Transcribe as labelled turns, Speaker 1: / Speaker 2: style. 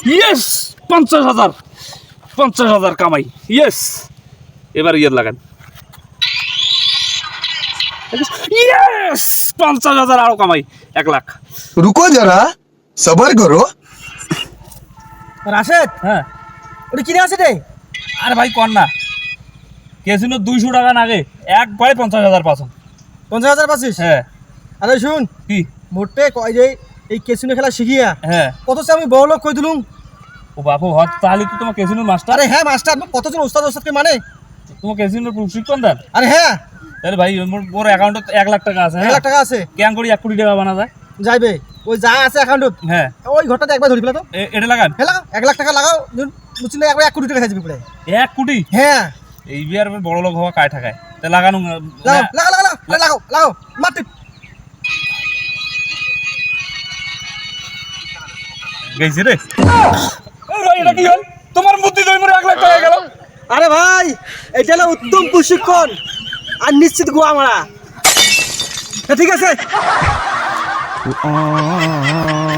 Speaker 1: Yes 50,000 50,000 কামাই yes এবার ইয়ে লাগান ইয়েস 50,000 আরো কামাই 1 লাখ
Speaker 2: रुको जरा सबर करो
Speaker 3: রাশেদ
Speaker 1: হ্যাঁ
Speaker 3: ওটা কিনে আছে রে
Speaker 1: আরে ভাই কর না কেসিনো 200 টাকা নাগে একবারে 50,000 পাচ্ছ
Speaker 3: 50,000 পাচ্ছিস?
Speaker 1: হ্যাঁ
Speaker 3: আরে শুন
Speaker 1: কি
Speaker 3: মোটে কয় যে এই কেসিনো খেলা শিখিয়া
Speaker 1: হ্যাঁ
Speaker 3: কত সে আমি বড় লোক কই দিলুম।
Speaker 1: ও বাপু হত তাহলে তো তোমার কেসিনোর মাস্টার
Speaker 3: আরে হ্যাঁ মাস্টার কতজন ওস্তাদ ওস্তাদকে মানে।
Speaker 1: তোমার কেসিনোর প্রশিক্ষণ দেন
Speaker 3: আরে হ্যাঁ
Speaker 1: তাহলে ভাই মোর অ্যাকাউন্টে 1 লাখ টাকা আছে
Speaker 3: 1
Speaker 1: হ্যাঁ
Speaker 3: লাখ টাকা আছে
Speaker 1: কেন করি 1 কোটি টাকা বানা যায়
Speaker 3: যাইবে ওই যা আছে অ্যাকাউন্টত
Speaker 1: হ্যাঁ
Speaker 3: ওই ঘরটাতে একবার ধরি ফেলা তো
Speaker 1: এটা লাগান
Speaker 3: হেলা 1 লাখ টাকা লাগাও বুঝলে একবার 1 কোটি টাকা খাই যাবে পুরো।
Speaker 1: 1 কোটি
Speaker 3: হ্যাঁ
Speaker 1: এই বিয়ার বড় লোক হওয়া কায় ঠাকায় তা লাগানো
Speaker 3: লাগাও লাগাও লাগাও লাগাও লাগাও মারতে
Speaker 1: গেছে রে ভাই এটা কি হল তোমার বুদ্ধি দই মরে 1 লাখ টাকা গেল
Speaker 3: আরে ভাই এটা হলো উত্তম প্রশিক্ষণ আর নিশ্চিত গোয়া মারা ঠিক আছে